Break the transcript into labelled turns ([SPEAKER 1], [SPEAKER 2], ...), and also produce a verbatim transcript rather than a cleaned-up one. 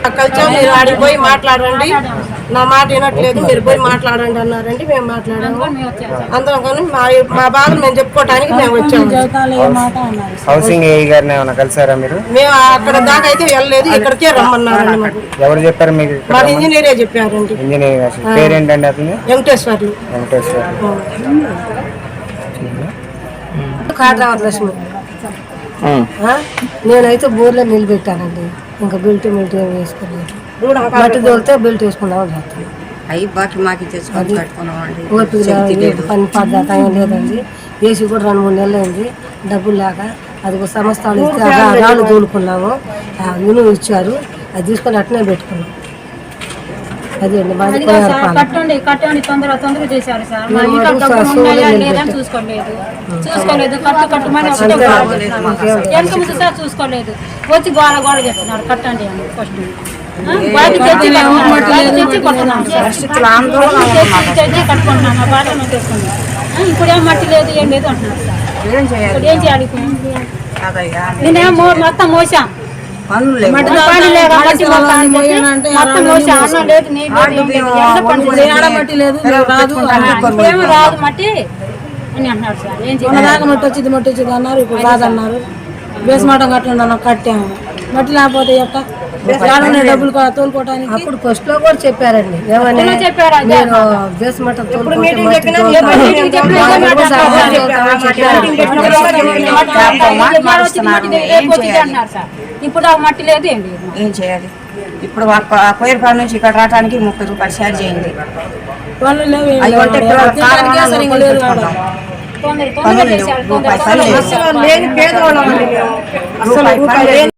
[SPEAKER 1] మాకు కలిసాం, మీరు ఆడికి పోయి మాట్లాడండి, నా మాట వినట్లేదు, మీరు పోయి మాట్లాడండి అన్నారండి. మేము మాట్లాడాము అందరం, కానీ మా మా బాధలు మేము చెప్పుకోవడానికి మేము వచ్చాము.
[SPEAKER 2] హౌసింగ్ ఏ గారిని ఏమైనా కలిసారా మీరు?
[SPEAKER 1] మేము అక్కడ దాకా అయితే వెళ్ళలేదు, ఇక్కడికే రమ్మన్నారండి. మాకు
[SPEAKER 2] ఎవరు చెప్పారు మీకు?
[SPEAKER 1] మా ఇంజనీరే చెప్పారండి.
[SPEAKER 2] ఇంజనీర్ పేరేంటండి అతను?
[SPEAKER 1] వెంకటేశ్వర్లు.
[SPEAKER 2] వెంకటేశ్వర్లు.
[SPEAKER 1] కాటరావతి లక్ష్మి. నేనైతే బోర్లో నిలబెట్టానండి, ఇంకా బెల్ట్ మిల్ట్ ఏం వేసుకోలేదు. మట్టి తోలితే బెల్ట్ వేసుకున్నామని చెప్తాను. పని పద్ధతి ఏం లేదండి. ఏసీ కూడా రెండు మూడు నెలలు అయింది, డబ్బులు లేక అది సంస్థలు ఇస్తే రాళ్ళు తోలుకున్నాము, ఇనుము ఇచ్చారు, అది తీసుకొని అట్నే పెట్టుకున్నాం. అదే అండి మాది
[SPEAKER 3] కట్టండి కట్టండి తొందర తొందర చేశారు సార్. లేదని చూసుకోలేదు చూసుకోలేదు కట్టు కట్టమని వెనక ముందు సార్ చూసుకోలేదు. వచ్చి గోడ గోడ చెప్తున్నారు కట్టండి అని. ఫస్ట్ బయట తెచ్చి తెచ్చి కొట్టుకున్నాం తెచ్చి కట్టుకుంటున్నాం, బాట తీసుకున్నాం. ఇప్పుడు ఏం మట్టి లేదు ఏం లేదు అంటున్నారు సార్. ఏం చేయాలి? నేనేమో మొత్తం మోసాం, మట్టి రాదు మట్టి అని అంటున్నారు సార్. ఏం చేయాలి?
[SPEAKER 4] మట్టి వచ్చింది మట్టి వచ్చింది అన్నారు, ఇప్పుడు రాదన్నారు. బేస్మాటం కట్టండి కట్టాము, మట్టి లేకపోతే ఎట్ట డబ్బులు తోలుకోవడానికి.
[SPEAKER 1] అప్పుడు ఫస్ట్ లో కూడా చెప్పారండి, ఏమని నేను బేస్మటం
[SPEAKER 3] ఇప్పుడు ఆ మట్టి లేదు ఏం లేదు.
[SPEAKER 5] ఏం చేయాలి? ఇప్పుడు కోయిరపాడు నుంచి ఇక్కడ రావడానికి ముప్పై రూపాయలు ఛార్జ్ అయింది.
[SPEAKER 3] తొందర తొందర చేశారు.